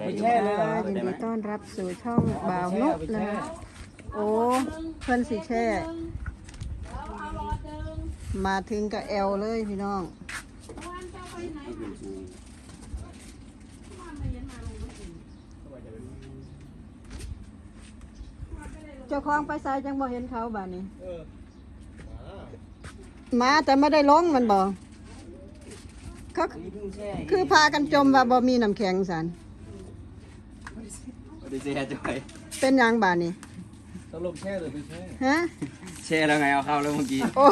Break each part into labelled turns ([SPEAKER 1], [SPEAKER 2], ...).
[SPEAKER 1] วัสดี
[SPEAKER 2] แช่เลย
[SPEAKER 1] ค่ะ
[SPEAKER 2] นะ
[SPEAKER 1] ยินดีต้อนรับสู่ช่องบ่าวนุนะโอ้เพื่อนสิแช่มาถึงกับแอลเลยพี่น้องเจ้าของไปใส่จังบ่เห็นเขาบ้านนี้มาแต่ไม่ได้ล้องมันบ่เขาคือพากันจมว่าบ่มีน้ำแข็งสัน
[SPEAKER 3] ดีเจจอย
[SPEAKER 1] เป็นหยังบ้านนี้
[SPEAKER 2] ตลบแช่หรือไม่แช่
[SPEAKER 1] ฮะ
[SPEAKER 3] แช่แล้วไงเอาเข้าแล้วเมื่อกี้
[SPEAKER 1] โอ้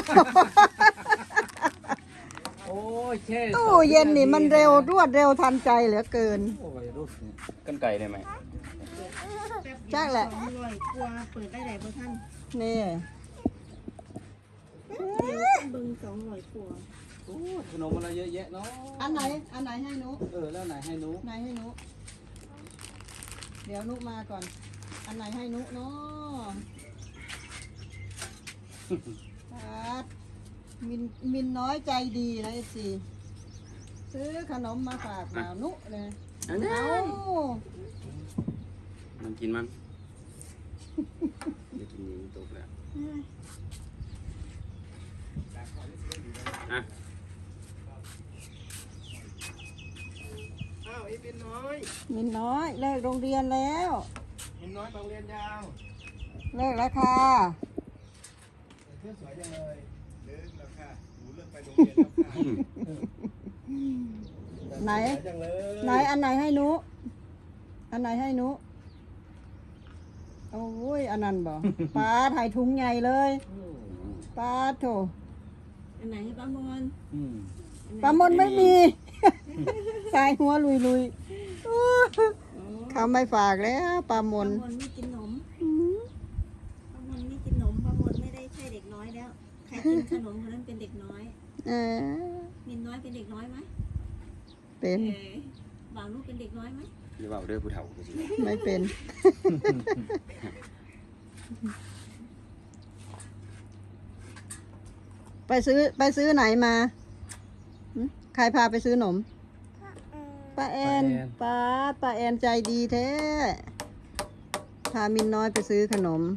[SPEAKER 2] โอ้ยแช่
[SPEAKER 1] ตู้เย็นนี่มันเร็วรวดเร็วทันใจเหลือเกิน
[SPEAKER 2] โอ้ยรูปเนี่ย
[SPEAKER 3] กันไก่ได้ไหม
[SPEAKER 1] จักแหละ
[SPEAKER 4] อร่อยกลัวเปิดได้ไหนบ่ท่าน
[SPEAKER 1] นี่
[SPEAKER 4] เบิ่ง200กว่า
[SPEAKER 2] โอ้ยขนมอะไรเยอะแยะเนาะ
[SPEAKER 1] อันไหนให้หนุ
[SPEAKER 2] แล้วไหนให้หนู
[SPEAKER 1] ไหนให้หนุเดี๋ยวหนุมาก่อน อันไหนให้หนุเนาะครับมินน้อยใจดีนะไอ้สิซื้อขนมมาฝากบ่าวนุเลยเอา
[SPEAKER 3] มันกินมันได้กินนี้ตกแล้วอ่ะ
[SPEAKER 2] อ้าวไอ้เป็นน้อย
[SPEAKER 1] มินน้อยเลิกโรงเรียนแล้ว
[SPEAKER 2] เป็นน้อยโรงเรียนยาว
[SPEAKER 1] เลิกแล้วค่ะ
[SPEAKER 2] เสื้อสวยจังเลยเลิกแล้วค่ะหนูเลิกไปโรงเรียนแล้วค่ะ
[SPEAKER 1] ไหน
[SPEAKER 2] สวยจังเลย
[SPEAKER 1] ไหนอันไหนให้หนุอันไหนให้หนุโอ้ยอันนั้นบ่ปลาถ่ายถุงใหญ่เลยปลาโถ
[SPEAKER 4] อันไหนให้ป้ามอน
[SPEAKER 2] อืม
[SPEAKER 1] ปลามนไม่มี สายหัวลุยลุยๆอู้เขาไม่ฝากแล้วปลามน
[SPEAKER 4] ป้ามอนไม่กินนม
[SPEAKER 1] อืม
[SPEAKER 4] ป้ามอนไม่กินนมป้ามอนไม่ได้ใช่เด็กน้อยแล้ว ใครกินขนมคนนั้นเป็นเด็กน้อย
[SPEAKER 1] เออ
[SPEAKER 4] มินน้อยเป็นเด็กน้อยไหม
[SPEAKER 1] เป็น
[SPEAKER 4] บ่าวนุเป็นเด็กน้อยไหม
[SPEAKER 3] อย่าเบาเด้อผู้เฒ่ากูสิ
[SPEAKER 1] ไม่เป็น ไปซื้อไหนมาหึใครพาไปซื้อหนมป้าแอนป้าแอนใจดีแท้พามินน้อยไปซื้อขนม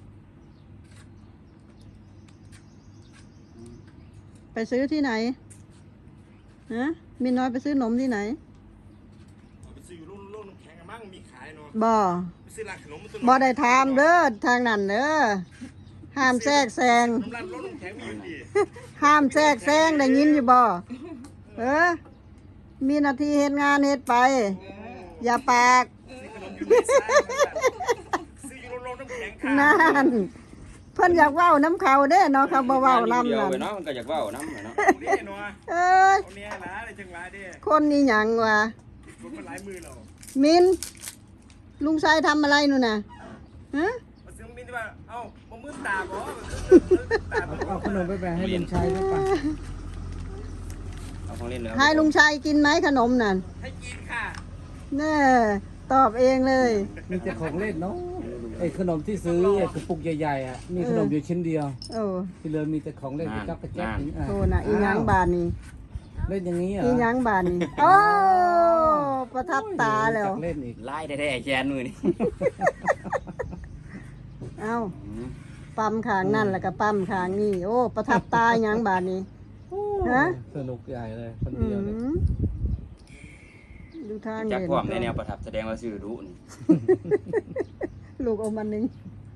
[SPEAKER 1] ไปซื้อที่ไหนฮะมินน้อยไปซื้อหนมที่ไหน
[SPEAKER 5] ไปซื้ออยู่โรงน้ำแข็งอะมั่งมีขายเนาะ
[SPEAKER 1] บ่
[SPEAKER 5] ไปซื้อร้านขนมมันตัว
[SPEAKER 1] บ่ได้ถามเด้อทางนั้นเด้อห้ามแทรกแซง
[SPEAKER 5] น้ำร้านโรงน้ำแข็งมีอยู่ดี
[SPEAKER 1] ห้ามแทรกแซงได้ยินอยู่บ่มีหน้าที่เฮ็ดงานเฮ็ดไป อย่าปาก
[SPEAKER 5] ซื้ออยู่โรงน้ำแข็งค่ะ
[SPEAKER 1] นั่นเพิ่นอยากเว้าน้ำเขาเด้เนาะเขาบ่เว้าน้ำ
[SPEAKER 3] เดียว
[SPEAKER 1] นั่น
[SPEAKER 3] ไปเนาะมันก็อยากเว้าน้ำเนาะ
[SPEAKER 5] เด้เนาะ
[SPEAKER 1] เอ้ย
[SPEAKER 5] เอาเนี่ยนะอะไรจังหวะเด้
[SPEAKER 1] คนนี้หยังวะ
[SPEAKER 5] รถมันหลายมือเรา
[SPEAKER 1] มินลุงชายทำอะไรนู่นน่ะฮะ
[SPEAKER 5] มาซื้อมินที่ว่าเอ้าบ่มือตาบ่ตาบ่
[SPEAKER 2] เอาขนมไปแบ่งให้ลุงชัยได้ปะ
[SPEAKER 3] เอาของเล่นเลย
[SPEAKER 1] ให้ลุงชายกินไหมขนมนั่น
[SPEAKER 5] ให้กินค่ะ
[SPEAKER 1] แน่ตอบเองเลย
[SPEAKER 2] มีแต่ของเล่นเนาะไอ้ขนมที่ซื้อไอ้กระปุกใหญ่ๆอ่ะมีขนมอยู่ชิ้นเดียว
[SPEAKER 1] โอ้
[SPEAKER 2] ที่เหลือมีแต่ของเล่นกระจับกระแจ๊กอ่ะ
[SPEAKER 1] โทน่ะอีหยังบานนี่
[SPEAKER 2] เล่นอย่างนี้เหรอ
[SPEAKER 1] อีหยังบานนี่โอ้ประทับตาแล้ว
[SPEAKER 2] จักเล่นอีก
[SPEAKER 3] ไล่ได้แขนมือนี่
[SPEAKER 1] เอ้าปั๊มขางนั่นแล้วก็ปั๊มขางนี่โอ้ประทับตาอีหยังบานนี่ฮะ
[SPEAKER 2] สนุกใหญ่เลยคน
[SPEAKER 1] อื
[SPEAKER 2] เดียวเลย
[SPEAKER 1] มดูทาง
[SPEAKER 3] จัก
[SPEAKER 1] เล่น
[SPEAKER 3] พร้อมในแนวประทับแสดงว่าซื้อรู้นี่
[SPEAKER 1] ลูกเอามันหนึ่ง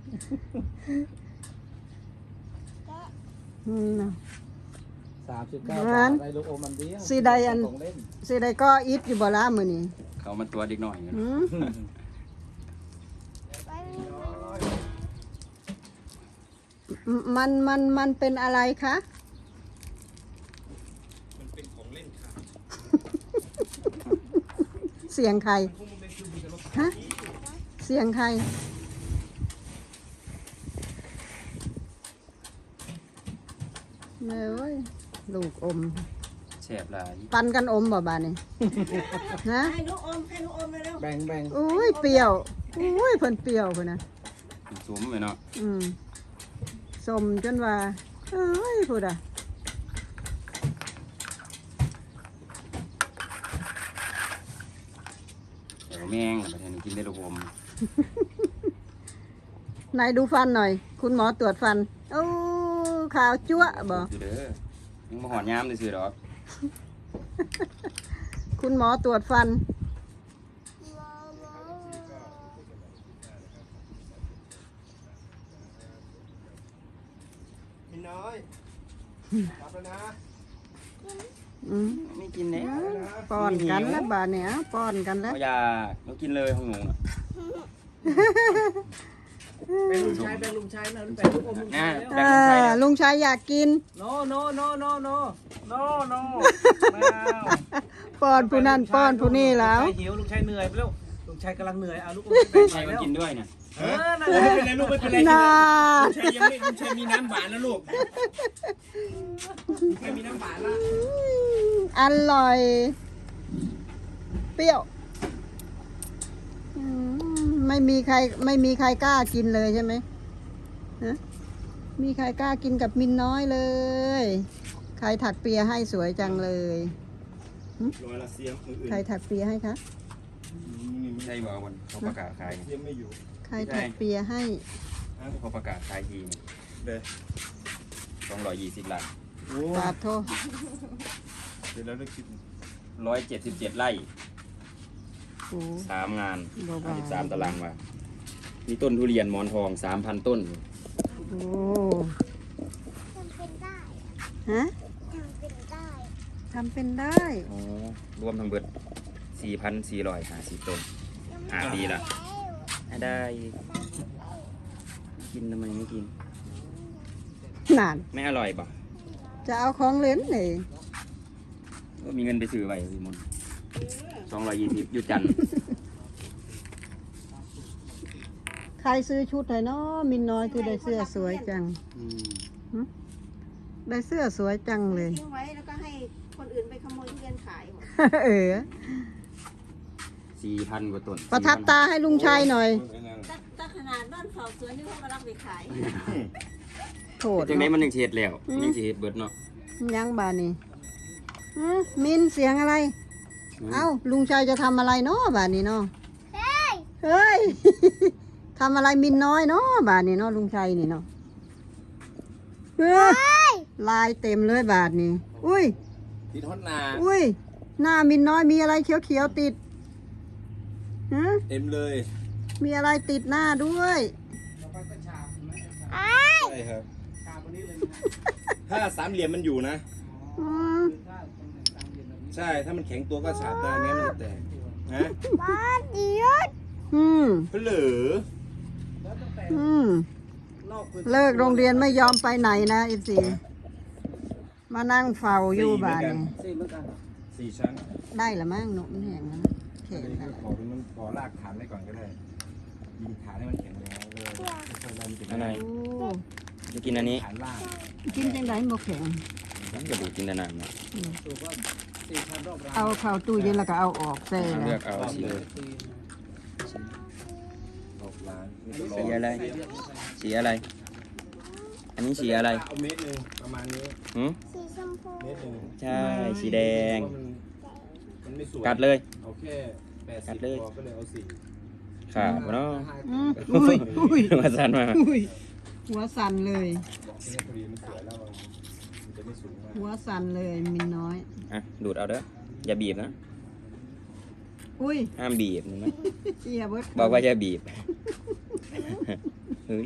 [SPEAKER 1] น่ะ
[SPEAKER 2] 39
[SPEAKER 1] งั้
[SPEAKER 2] บาท
[SPEAKER 1] น
[SPEAKER 2] ได้ลูกอมมันเดียว
[SPEAKER 1] สิได้อัน
[SPEAKER 2] ของเล่น
[SPEAKER 1] สิได้ก็อิดอยู่บ่ล่ะมื้อนี้
[SPEAKER 3] เขามันตัวเด็กหน่อย
[SPEAKER 1] หืมมันเป็นอะไรคะ
[SPEAKER 5] มันเป็นของเล่นค่ะ
[SPEAKER 1] เสียงใคร
[SPEAKER 5] พวกมันเป็นคือมีแต่รถ
[SPEAKER 1] ฮะเสียงใครแม่เอ้ยลูกอม
[SPEAKER 3] แสบหลาย
[SPEAKER 1] ปันกันอมบ่บาดนี่ฮะ
[SPEAKER 4] ให้ลูกอมเร็ว
[SPEAKER 2] แบ่ง
[SPEAKER 1] อุ้ยเปรี้ยวอุ้ยเพิ่นเปรี้ยวพุ่นน่ะ
[SPEAKER 3] สวมไปเนาะ
[SPEAKER 1] สมจนว่าเอ้ยพูดอ่ะ
[SPEAKER 3] แต่ว่าแมงประเทศนี้กินได้ระบม
[SPEAKER 1] ไหนดูฟันหน่อย คุณหมอตรวจฟัน โอ้ขาวจั๊วะบ่
[SPEAKER 3] คือเด้อยังมาหอนยามซื่อๆดอก
[SPEAKER 1] คุณหมอตรวจฟัน
[SPEAKER 2] พี่น้อยกลับแล้วนะ
[SPEAKER 1] อืม
[SPEAKER 3] ไม่กินแล้ว
[SPEAKER 1] ป้อนกันแล้วบาดเนี่ยป้อนกันแล้ว
[SPEAKER 3] เอาอยากเรากินเลยของหนูน่ะ
[SPEAKER 5] เป็นลุงชายเป็นลุงชายนะเป็นลูกอมลุงชายแล้ว
[SPEAKER 1] เออลุงชายอยากกิน
[SPEAKER 5] no no no no no no no ไม่เอา
[SPEAKER 1] ป้อนผู้นั่นป้อนผู้นี่แล้ว
[SPEAKER 5] ลุงชายหิวลุงชายเหนื่อยไปแล้วลุงชายกำลังเหนื่อยเอาลูกอมไป
[SPEAKER 3] ใคร
[SPEAKER 5] แบ่ง
[SPEAKER 3] มัน
[SPEAKER 5] แล้ว
[SPEAKER 3] กินด้วยเนี่ย
[SPEAKER 5] นั่นแหละ
[SPEAKER 2] ไม่เป็นไรลูกไม่เป็นไร
[SPEAKER 1] น่า
[SPEAKER 2] ลุงชัยยังไม่ลุงชัยมีน้ำหวานแล้วลูกลุงชัยมีน้ำหวานแล้ว
[SPEAKER 1] อร่อย เปรี้ยวอืมไม่มีใครกล้ากินเลยใช่ไหมฮะมีใครกล้ากินกับมินน้อยเลย ใครถักเปียให้สวยจังเลย
[SPEAKER 2] รอยละเสียมอื่น
[SPEAKER 1] ใครถักเปียให้คะ
[SPEAKER 2] นี่ไม่
[SPEAKER 3] ใช่บ่วันเขาประกาศขาย
[SPEAKER 2] เสียมไม่อยู่
[SPEAKER 1] ใครถักเปียให้
[SPEAKER 3] เขาประกาศขายทีนี่
[SPEAKER 2] เด้อ
[SPEAKER 3] 220 ไร่
[SPEAKER 2] โอ้
[SPEAKER 1] ปาดโทษ
[SPEAKER 2] เดี๋ยวเราได้คิด
[SPEAKER 3] 177 ไร่
[SPEAKER 1] โอ้
[SPEAKER 3] 3 งาน
[SPEAKER 1] เบาๆ
[SPEAKER 3] 53 ตารางวามีต้นทุเรียนหมอนทอง 3,000 ต้น
[SPEAKER 1] โอ้
[SPEAKER 6] ทำเป็นได้
[SPEAKER 1] ฮะ
[SPEAKER 6] ทำเป็นได้
[SPEAKER 1] ทำเป็นได้
[SPEAKER 3] อ๋อ รวมทั้งเบิด 4,450 ต้น 5 ปีละได้ กินทำไมไม่กิน
[SPEAKER 1] นาน
[SPEAKER 3] ไม่อร่อยป่ะ
[SPEAKER 1] จะเอาของเล่นเลย
[SPEAKER 3] ก็มีเงินไปซื้อไว้พี่มน220อยู่จันทร์
[SPEAKER 1] ใครซื้อชุดไหนเนาะมินน้อยคือได้เสื้อสวยจัง ได้เสื้อสวยจังเลย
[SPEAKER 4] ทิ้งไว้แล้วก็ให้คนอื่นไปขโมยทุเรียนขายหมด
[SPEAKER 1] เออ
[SPEAKER 3] 4,000 กว่าต้น
[SPEAKER 1] ประทับตาให้ลุงชัยหน่อย
[SPEAKER 4] ถ้าขนาดบ้านเฝ้าสวนนี่เขาก็รับไปขาย
[SPEAKER 1] โถด
[SPEAKER 3] จังได๋
[SPEAKER 1] เนาะ
[SPEAKER 3] มันยังสิเฮ็ดแล้วยังสิเฮ็ดเบิดเนาะ
[SPEAKER 1] ยังบานี่มินเสียงอะไร เอ้าลุงชัยจะทำอะไรเนาะบานี่เนาะเฮ้ย ทำอะไรมินน้อยเนาะบานี่เนาะลุงชัยนี่เนาะเฮ้ยลายเต็มเลยบาทนี่อุ้ย
[SPEAKER 2] ติดฮอตนา
[SPEAKER 1] อุ้ย หน้ามินน้อยมีอะไรเขียวๆติดฮะ
[SPEAKER 2] เต็มเลย
[SPEAKER 1] มีอะไรติดหน้าด้วย
[SPEAKER 2] ใช่ครับถ้าสามเหลี่ยมมันอยู่นะ
[SPEAKER 1] อืม
[SPEAKER 2] ใช่ถ้ามันแข็งตัวก็ฉาบได้ไม่งั้นมันจะแตกนะ
[SPEAKER 6] บ้านเดียว
[SPEAKER 1] อืม
[SPEAKER 2] เพื่อเหลือ
[SPEAKER 1] อืม เลิกโรงเรียนไม่ยอมไปไหนนะอีสีมานั่งเฝ้าอยู่บ้านนี่
[SPEAKER 2] 4 ชั้น
[SPEAKER 1] ได้ละมั้งหนุ่มแห้งแล้วแข็ง
[SPEAKER 2] นี่
[SPEAKER 1] แล้
[SPEAKER 2] คือ
[SPEAKER 1] ว
[SPEAKER 2] ขอเป็นมันขอลากฐานไว้ก่อนก็ได้ ยิงฐานให้มันแข็งแรงเลยค่อยๆไล่มันจะ
[SPEAKER 3] อันไหน
[SPEAKER 1] โอ้
[SPEAKER 3] จะกินอันนี้
[SPEAKER 2] ฐานล่าง
[SPEAKER 1] กินจังไดบ่แข็ง
[SPEAKER 3] ก็ดูกินแต่น้ำเนาะ
[SPEAKER 1] เอาเข้าตู้เย็นแล้วก็เอาออกใส่
[SPEAKER 3] เลื
[SPEAKER 1] แล้
[SPEAKER 3] อ
[SPEAKER 1] ว
[SPEAKER 3] กเอาสีเลย
[SPEAKER 2] 6 ล้าน
[SPEAKER 3] สีอะไร สีอะไร อันนี้สีอะไร
[SPEAKER 2] เอาเม็ดหนึ่งประมาณนี้
[SPEAKER 3] หืม
[SPEAKER 6] สีชมพู
[SPEAKER 2] เม็ดหนึ่ง
[SPEAKER 3] ใช่ สีแดง
[SPEAKER 2] เพราะมันไม่สวย
[SPEAKER 3] กัดเลย
[SPEAKER 2] เอาแค่80
[SPEAKER 3] เลย
[SPEAKER 2] พอก็เลยเอา4
[SPEAKER 3] ขาดบ่เนาะ
[SPEAKER 1] อืมอุ้ยอุ้ย
[SPEAKER 3] มาสั่นมา
[SPEAKER 1] อุ้ยหัวสั่นเลย
[SPEAKER 2] บอกที่นี่พอดีมันสวยแล้วมันจะไม่สูงมาก
[SPEAKER 1] หัวสั่นเลยมินน้อย
[SPEAKER 3] อ่ะ ดูดเอาเด้อ อย่าบีบนะ
[SPEAKER 1] อุ้ย
[SPEAKER 3] ห้ามบีบเห็นไหม
[SPEAKER 1] เอียเบิด
[SPEAKER 3] บอกว่าอย่าบีบ เฮ้ย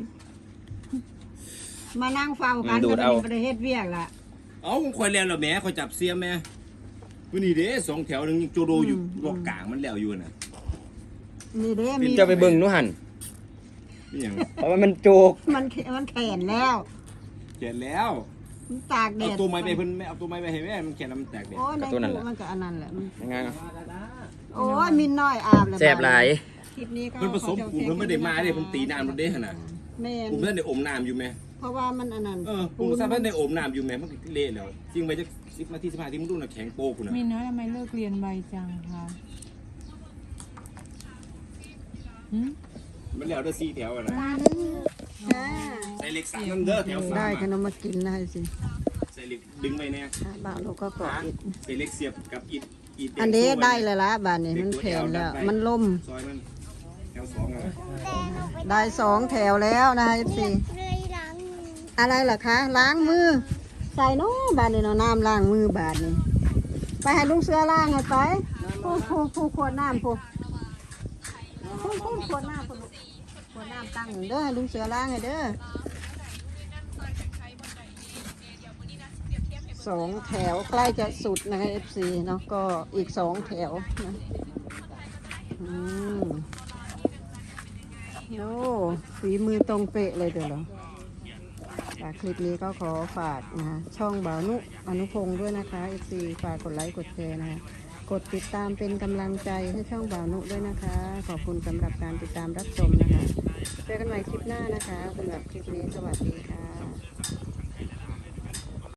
[SPEAKER 1] มานั่งเฝ้ากัน
[SPEAKER 3] ดูด
[SPEAKER 1] ก็
[SPEAKER 3] เอา
[SPEAKER 1] มีประเทศเวียกล่ะ
[SPEAKER 2] เอาคอยเรียนเหรอแม่คอยจับเสียมแม่วันนี้เด้2 แถวหนึงยังโจโดอยู่บอกกลางมันแล้วอยู่น่ะ
[SPEAKER 1] นี่เด้มี
[SPEAKER 3] จะไปเบิ่งหนูหัน
[SPEAKER 2] นี่อย่าง
[SPEAKER 3] เพราะว่ามันโจก
[SPEAKER 1] มันแขนแล้ว
[SPEAKER 2] เขียนแล้ว
[SPEAKER 1] มันตากแด
[SPEAKER 2] เอา
[SPEAKER 1] ด
[SPEAKER 2] ตัวไม้ไปเพิ่นไม่เอาตัวไม้ไปให้แม่มันเขียนแล้วมันแตกเด็ด
[SPEAKER 1] โอ้ยใน
[SPEAKER 3] กับตัวนั่นแห
[SPEAKER 1] ตู้
[SPEAKER 3] ละ
[SPEAKER 1] มันก็อันนั้นแหละมัน
[SPEAKER 3] ยังไงอ่ะ
[SPEAKER 1] โอ้ยมินน้อยอาบแล้ว
[SPEAKER 3] แซ่บหลาย
[SPEAKER 1] คลิปนี้ก็
[SPEAKER 2] เพิ่นผสมปูเพิ่นไม่ได้มาเด้เพิ่นตีน้ำมันเด้หั่นน่ะ
[SPEAKER 1] แม่น
[SPEAKER 2] ปูเพิ่นได้อมน้ำอยู่แม่
[SPEAKER 1] เพราะว่ามันอันนั้น
[SPEAKER 2] ปูซะเพิ่นได้อมน้ำอยู่แม่มันก็เละแล้วจริงไปจัก10 นาที15นาทีมันดูน่ะแข็งโป๊กพุ่นน่ะ
[SPEAKER 7] มีน้อยทำไมเลิกเรียนไวจังคะหืม
[SPEAKER 2] มันแล้วได้4 แถวอ่ะนะ
[SPEAKER 1] ค่ะ
[SPEAKER 2] ใส่เหล็ก3นั่นเด้อแถว3
[SPEAKER 1] ได้ข
[SPEAKER 2] อะ
[SPEAKER 1] นมมากินได้สิ
[SPEAKER 2] ใส่เหล็กดึงไว้แน่
[SPEAKER 1] บ่าวเราก็กอดอิด
[SPEAKER 2] ใส่เหล็กเสียบกับอิฐ
[SPEAKER 1] อันนี้ได้เลยละบานนี้มันแผ่นแล้ว มันล่ม
[SPEAKER 2] ซอยมันแถว2อ่ะ
[SPEAKER 6] แต่หนูไป
[SPEAKER 1] ได้2 แถวแล้วนะคะ FC
[SPEAKER 6] เลยล้างมือ
[SPEAKER 1] อะไรล่ะคะ ล้างมือ ใส่เน้บานนี้เนาะน้ำล้างมือบานนี้ ไปให้ลุงเสือล้างให้ไปผู้ขวดน้ำผู้ขวดน้ำผู้ขวดน้ำตั้งเด้อให้ลุงเสือล้างให้เด้อ2 แถวใกล้จะสุดนะคะ FC เนาะก็อีก2 แถวนะโอ้ฝีมือตรงเป๊ะเลยเด้อเหรอจากคลิปนี้ก็ขอฝากนะคะช่องบ่าวนุอนุพงศ์ด้วยนะคะ FC ฝากกดไลค์กดแชร์นะคะกดติดตามเป็นกำลังใจให้ช่องบ่าวนุด้วยนะคะ ขอบคุณสำหรับการติดตามรับชมนะคะเจอกันใหม่คลิปหน้านะคะสำหรับคลิปนี้สวัสดีค่ะ